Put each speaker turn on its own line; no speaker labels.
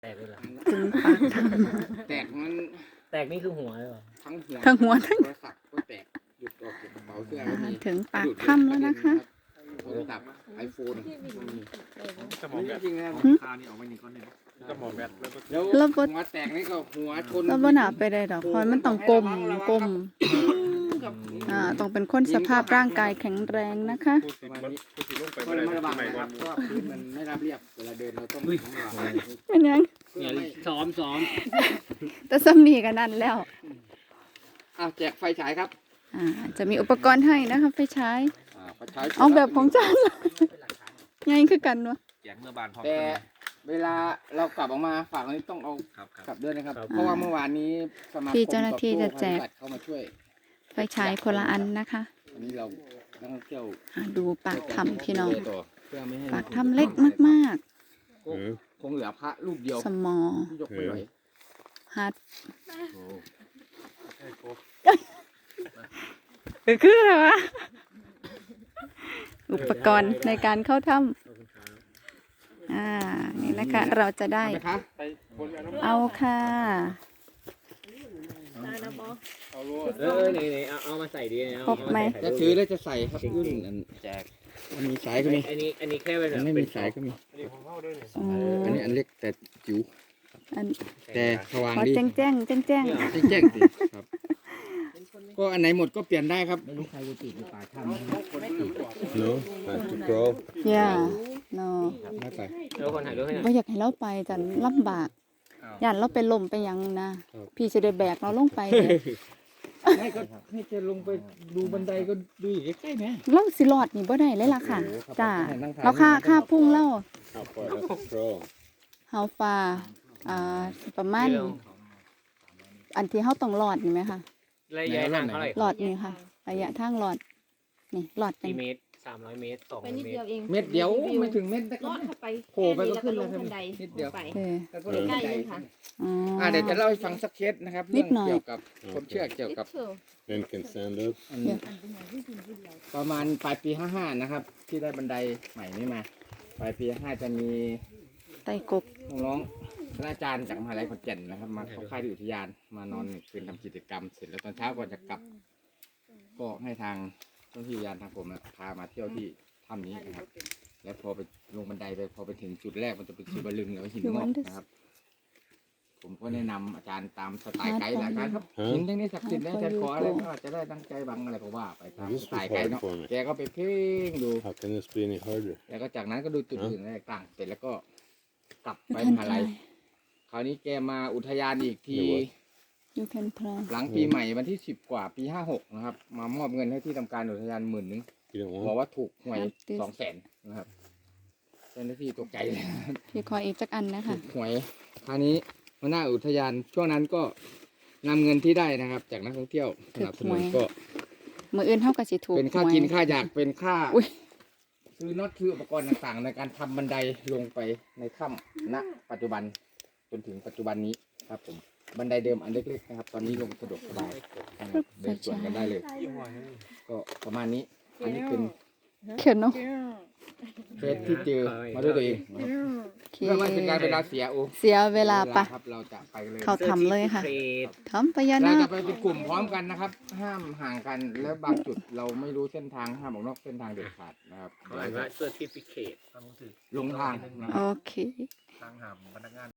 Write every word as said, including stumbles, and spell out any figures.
แตกเลยเหรอ
ถึงปากถ้
แตกมัน
แตกนี่คือหัวเลยเหรอ
ทั้งหัว
ำทั้งหัวทั้ง
โทรศัพท์ก็แตกหยุดออกจากกระเป๋าเสื้อก็มี
ถึงปากถ้ำแล้วนะคะ
โทรศัพท์ไอโฟน
สมองแบบ
จริงๆนะ
คานี่ออกมาหนึ่งก้อนหนึ่งสมองแบบแล้วก็
แล้ว
แล้วบ่
หัวแตกนี่ก็หัวชน
เราบ่หนาไปได้ดอกเพราะมันต้องกลมกลม
กับ
อ่าต้องเป็นคนสภาพร่างกายแข็งแรงนะคะ
พูดสิพูดสิลงไป
ก็
ไม่
เลย
ได้
ไม่ระวัง
ไม่
นะค
ก่อ
รั
น
บเพราะว่าพื้นมันไม่ราบเรียบเวลาเดินเราต้องระวัง
เป็นยัง
เนี่ยซ้อมซ้อม
แต่ซ้ำนี่กันนั่นแล้ว
อ่ะแจกไฟฉายครับ
อ่าจะมีอุปกรณ์ให้นะคะไฟฉาย
อ่าไฟฉาย
เอาแบบของจานไงคือกันวะ
แจกเมื่อบานพร้อม
แต่เวลาเรากลับออกมาฝากอันนี้ต้องเอา
ครับค
ก
รั
ลั
บบ
ด้วยนะครับ เพราะว่าเมื่อวานนี้สมาคม
ที่เจ้าหน้าที่จะแจก
ตอบโต้ภัยพิบัติเข้ามาช่วย
ไฟฉายคนละอันนะคะ
วันนี้เรานักท่องเที่ยว
อ่าดูปากถ้ำพี่น้อง
ต่เพื่อไม่ให้
ปากถ้ำเล็กมาก
คงคงเหลือพระรูปเดียว
ๆ สมอ
ที่ยกไม่ไหว
ฮัด
โอ้
เออคืออะไรวะอุปกรณ์ในการเข้าถ้ำอ่านี่นะคะ เราจะได้
เอาไหมคะ
ไปบนอันนั้น
เอาค่ะ
เออไหนไหนเอาเอามาใส่ดีนะ
พกไหม
จะถือแล้วจะใส่ครับรุ่นอันแจกมันมีสายก็มี
อันนี้อันนี้แค่เป็นแบ
อัน
บ
ไม่มีสายก็มี
อันนี้ของเข้าด้วยเนี่ย
อื
อัน
ม
นี้อันเล็กแต่จิ๋ว
อัน
แต่สว่าง
ขอ
ดี
แจ้งแจ้งแจ้งแจ้ง
แจ้งๆสิครับ ก็อันไหนหมดก็เปลี่ยนได้ครับ
ไม่รู้ใครจะติดหรือเปล่าทำ
No, time to crawl.
อย่าเนาะ
ไม่ไป
แล้วคนถ่ายรูปให้หน่อย
ว่าอยากให้เราไปจันลำบากย่านเราไปลมไปหยังนะ พี่จะได้แบกเราลงไปเด้
ไม่ก็ให้จะลงไปดูบันไดก็ดูอยู่ใกล้ๆไหม
เราสิรอดนี่บ่ได้เลยล่ะค่ะ
โอ้โหครับ
จ้า
นั่งถ่าย
เราค่า
นั่งถ่าย
ค่าพุ่งเล่า
How far left to crawl?
เฮาฟ้าอ่าประมาณอันที่เฮาต้องรอดนี่ไหมคะ
ระยะทางเท่าไหร่
รอดนี่ค่ะ ระยะทางรอดนี่รอดจั
กี่
ง
เมตรสามร้อยเมตรสอง
ไป
ร้อย
นิด
เม
เดี
ต
ยว
ร
เอง
เม็ดเดียวไม่ถึงเม็ดนะค
ล
รับ
อดเข้าไป
โผล่ไปก็ขึ้นแล้ว
แค่
ครับ
บันได
นิดเดียว
ไป
เออ
แล้วก็ลง
ใก
บั
ล้
นได
เลยค่ะ
อ๋อ
อ่าเดี๋ยวจะเล่าให้ฟังสักเคสนะครับ
นิ
เรื่
ด
อง
หน่อย
เกี่ยวกับความเชื่อเกี่ยวกับ
เชื่อ
Then can stand up.
อันนี้ประมาณปลายปีห้าห้านะครับ ที่ได้บันไดใหม่นี้มาปลายปีห้าห้าจะมี
ไต่กบ
น้องๆคณาจารย์จากมหาลัยขอนแก่นนะครับ มาเข้าค่ายที่อุทยานมานอนหนึ่งคืนทำกิจกรรมเสร็จแล้วตอนเช้าก่อนจะกลับ ก็ให้ทางเจ้าหน้าที่อุทยานทางผมนะพามาเที่ยวที่ถ้ำนี้นะครับ แล้วพอไปลงบันไดไปพอไปถึงจุดแรกมันจะเป็นชิบะลึงแล้วหินงอกนะครับ ผมก็แนะนำอาจารย์ตามสไตล์ไกด์แหละอาจารย์ครับหินทั้งนี้ศักดิ์สิทธิ์นะอาจารย์ขออะไรก็อาจจะได้ตั้งใจบังอะไรก็ว่าไปตามสไตล์ไกด์เนาะแกก็ไปเพ่งดู
How can this be any harder?
แล้วก็จากนั้นก็ดูจุดอื่นอะไรต่างๆเสร็จแล้วก็กลับไป
You
ม
can
หาลัย
try
คราวนี้แกมาอุทยานอีกที
You can try
หลังปีใหม่วันที่สิบกว่าปีห้าหกนะครับ มามอบเงินให้ที่ทำการอุทยานหมื่นนึง
You don't
บอก
want?
ว่าถูกหวย
ครับ
สองแสนนะครับเจ้าหน้าที่ตกใจเลย
พี่ขออีกจักอันนะ
ถู
คะ
กหวยคราวนี้หัวหน้าอุทยานช่วงนั้นก็นำเงินที่ได้นะครับ จากนักท่องเที่ยวสนับสนุนก็
มืออื่นเท่ากับสิถูก
เป็นค่า
หวย
กินค่าอยากเป็นค่า
อุ๊ย
ซื้อน็อตซื้ออุปกรณ์ต่างๆ ในการทำบันไดลงไปในถ้ำณปัจจุบันจนถึงปัจจุบันนี้ครับผมบันไดเดิมอันเล็กๆนะครับ ตอนนี้ลงสะดวกสบายนะครับเดินสวนกันได้เลย ก็ประมาณนี้อันนี้เป็น
เขียนเนาะ
เคสที่เจอมาด้วยตัวเองนะครับ
โอเค
เพื่อไม่เป็นการเวลาเสียโอ
เสียเวลาปะ
ครับเราจะไปกันเลย
เขาทำเลยค่ะ
เทรด
ทำพญา
เรา
นา
จะ
ค
ไปเป็นกลุ่มพร้อมกันนะครับ ห้ามห่างกันแล้วบางจุดเราไม่รู้เส้นทางห้ามออกนอกเส้นทางเด็ดขาดนะครับ
หมายว่าเซอร์ติฟิเคต
ลงทางนะครับ
โอเค
ทางหามพนักงาน